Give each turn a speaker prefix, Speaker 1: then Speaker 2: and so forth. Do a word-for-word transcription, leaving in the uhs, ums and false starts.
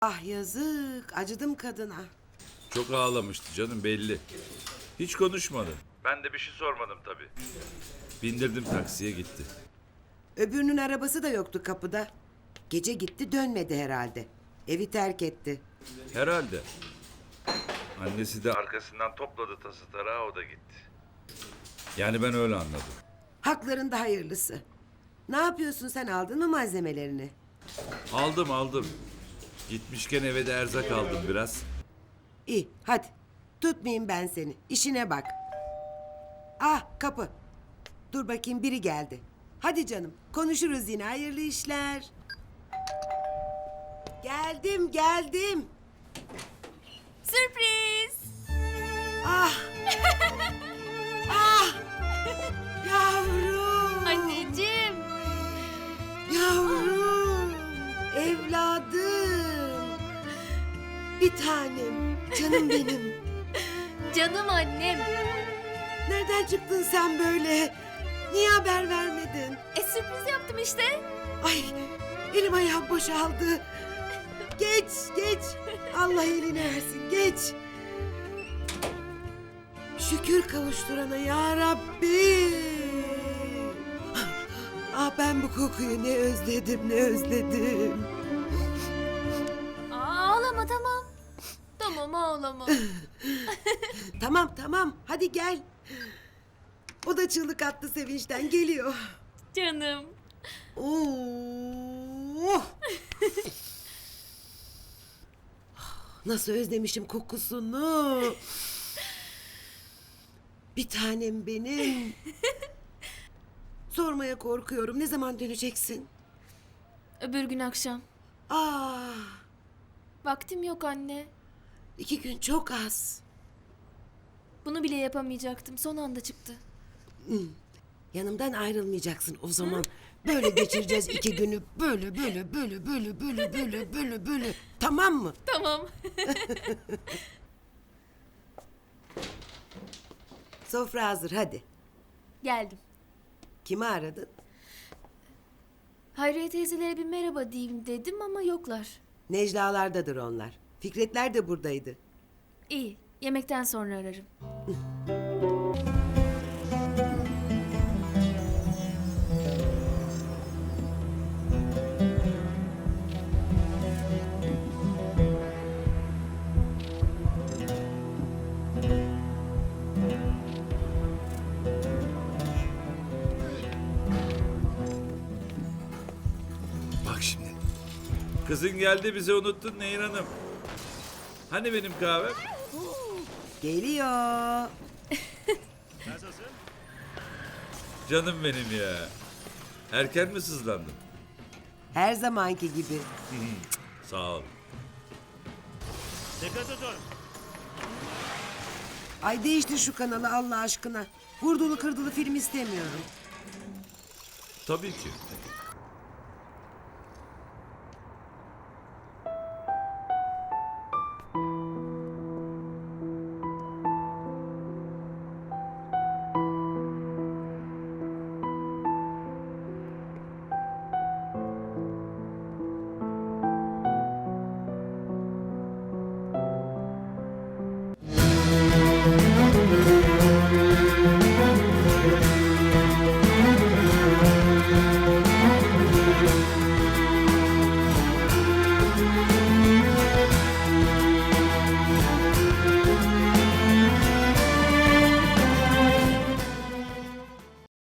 Speaker 1: Ah yazık, acıdım kadına.
Speaker 2: Çok ağlamıştı canım belli. Hiç konuşmadı. Ben de bir şey sormadım tabii. Bindirdim taksiye gitti.
Speaker 1: Öbürünün arabası da yoktu kapıda. Gece gitti dönmedi herhalde. Evi terk etti.
Speaker 2: Herhalde. Annesi de arkasından topladı tası tarağı, o da gitti. Yani ben öyle anladım.
Speaker 1: Haklarında hayırlısı. Ne yapıyorsun, sen aldın mı malzemelerini?
Speaker 2: Aldım aldım. Gitmişken eve de erzak aldım biraz.
Speaker 1: İyi hadi. Tutmayayım ben seni. İşine bak. Ah kapı. Dur bakayım, biri geldi. Hadi canım, konuşuruz yine, hayırlı işler. Geldim geldim.
Speaker 3: Sürpriz.
Speaker 1: Ah. Ah. Yavrum.
Speaker 3: Anneciğim.
Speaker 1: Yavrum. Evladım. Bir tanem. Canım benim.
Speaker 3: Canım annem.
Speaker 1: Nereden çıktın sen böyle? Niye haber vermedin?
Speaker 3: E sürpriz yaptım işte.
Speaker 1: Ay, elim ayağım boşaldı. Geç, geç. Allah elini versin, geç. Şükür kavuşturana ya Rabbi. Ah, ben bu kokuyu ne özledim, ne özledim.
Speaker 3: Aa, ağlama tamam. Tamam ağlama.
Speaker 1: Tamam, tamam. Hadi gel. O da çığlık attı sevinçten, geliyor.
Speaker 3: Canım.
Speaker 1: Oh. Nasıl özlemişim kokusunu. Bir tanem benim. Sormaya korkuyorum. Ne zaman döneceksin?
Speaker 3: Öbür gün akşam.
Speaker 1: Ah,
Speaker 3: Vaktim yok anne.
Speaker 1: iki gün çok az.
Speaker 3: Bunu bile yapamayacaktım. Son anda çıktı.
Speaker 1: Yanımdan ayrılmayacaksın o zaman. Böyle geçireceğiz iki günü. Böyle böyle böyle böyle böyle böyle böyle böyle. Tamam mı?
Speaker 3: Tamam.
Speaker 1: Sofra hazır, hadi.
Speaker 3: Geldim.
Speaker 1: Kimi aradın?
Speaker 3: Hayriye teyzelere bir merhaba diyeyim dedim ama yoklar.
Speaker 1: Necla'lardadır onlar. Fikretler de buradaydı.
Speaker 3: İyi. Yemekten sonra ararım.
Speaker 2: Bak şimdi. Kızın geldi, bizi unuttun Nehir Hanım. Hani benim kahvem?
Speaker 1: Geliyor.
Speaker 2: Canım benim ya. Erken mi sızlandın?
Speaker 1: Her zamanki gibi.
Speaker 2: Sağ ol.
Speaker 4: Dikkat edin.
Speaker 1: Ay değiştir şu kanalı Allah aşkına. Vurdulu kırdılı film istemiyorum.
Speaker 2: Tabii ki.